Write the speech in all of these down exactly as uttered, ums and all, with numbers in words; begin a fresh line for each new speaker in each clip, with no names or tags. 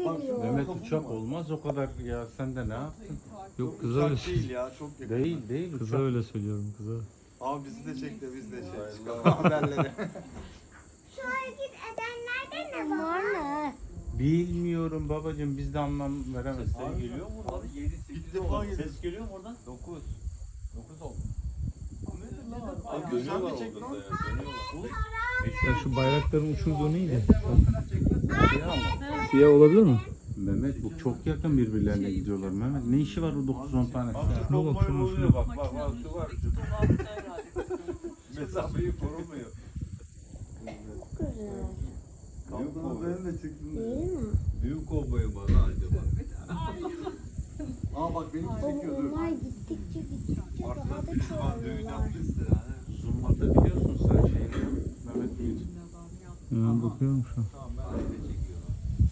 geliyor.
Mehmet uçak olmaz o kadar ya, sen de ne yaptın?
Yok kıza öyle
Uçak değil ya, çok yakın.
Değil değil
Kıza
uçak.
öyle söylüyorum kıza.
Abi bizi de çek de biz de şey çıkalım haberlere.
Şu hareket edenlerde ne var mı?
Bilmiyorum babacığım, biz de anlam veremeyiz.
Ses geliyor mu oradan? yedi sekiz
İlk defa
oldu.
geliyor.
Ses geliyor mu oradan? dokuz. dokuz oldu.
Abi güzel bir çek lan.
Ya şu bayrakların uçurduğu neydi?
Ya,
Siyah olabilir mi?
Mehmet bu çok yakın birbirlerine gidiyorlar Mehmet. Ne işi var o dokuz on tane?
Şuna bak, şuna, şuna.
Bak bak bak şu var. Mesafeyi korumuyor.
Çok güzel.
Kaptanın benim de çıktım.
Değil mi?
Büyük kovboyu bana acaba.
Aa bak benim
Baba
çekiyor dur.
onlar gittikçe gittikçe daha da
Artık düşman düğün
çoğalıyorlar.
yapmıştı yani.
Zoom'da biliyorsun sen şeyini. Mehmet Bey.
Ben bakıyorum şu an.
Tamam ben de çekiyorum.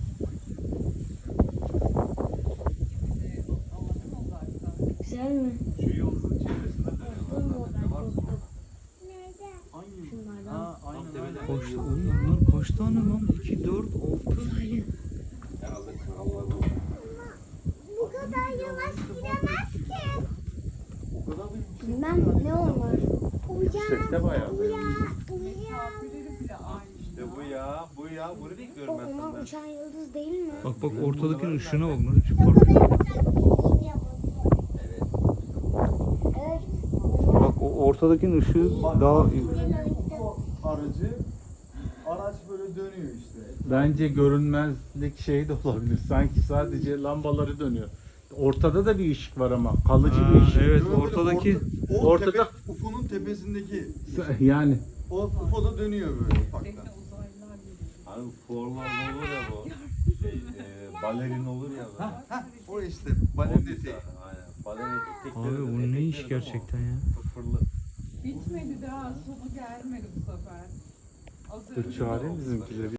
Güzel mi?
Şu yolun çevresinde dönüyorlar. Ne var?
Nerede?
Hangi?
Şunlardan.
Ha aynen öyle.
Kaç, oğlum bunlar kaç tane lan? iki, dört, altı.
Herhalde krallar bu.
Bu kadar yavaş gidemez ki.
O kadar büyük.
Bilmem ne olur.
Yüksekte
Uyan,
bayağı.
uyan, uyan.
İşte bu ya, bu ya. Bunu
O
bekliyorum ben
onlar
senden.
uçan yıldız değil mi?
Bak bak ortadaki ışığına bak lan. Şu
Çok
parlıyor.
güzel uçak değil ya bu.
Evet.
Evet.
Bak o ortadakinin ışığı daha
O aracı, araç böyle dönüyor işte.
Bence görünmezlik şey de olabilir. Sanki sadece lambaları dönüyor. Ortada da bir ışık var ama kalıcı
Ha,
bir ışık.
evet
Böyle
ortadaki
orta- o
ortada-
tepe, U F O'nun tepesindeki
Yani
o U F O da dönüyor böyle ufaktan.
Hani formal olur ya bu. Şey, e, balerin olur ya böyle.
O işte
O
balerin
bir
eteği.
tane, aynen. Balerin etekleri
Abi
de
bu ne iş
etekleri de
gerçekten ya?
o Fırfırlı.
Bitmedi daha sonu gelmedi bu sefer. Az
dur
önce
çağırayım bizimkileri.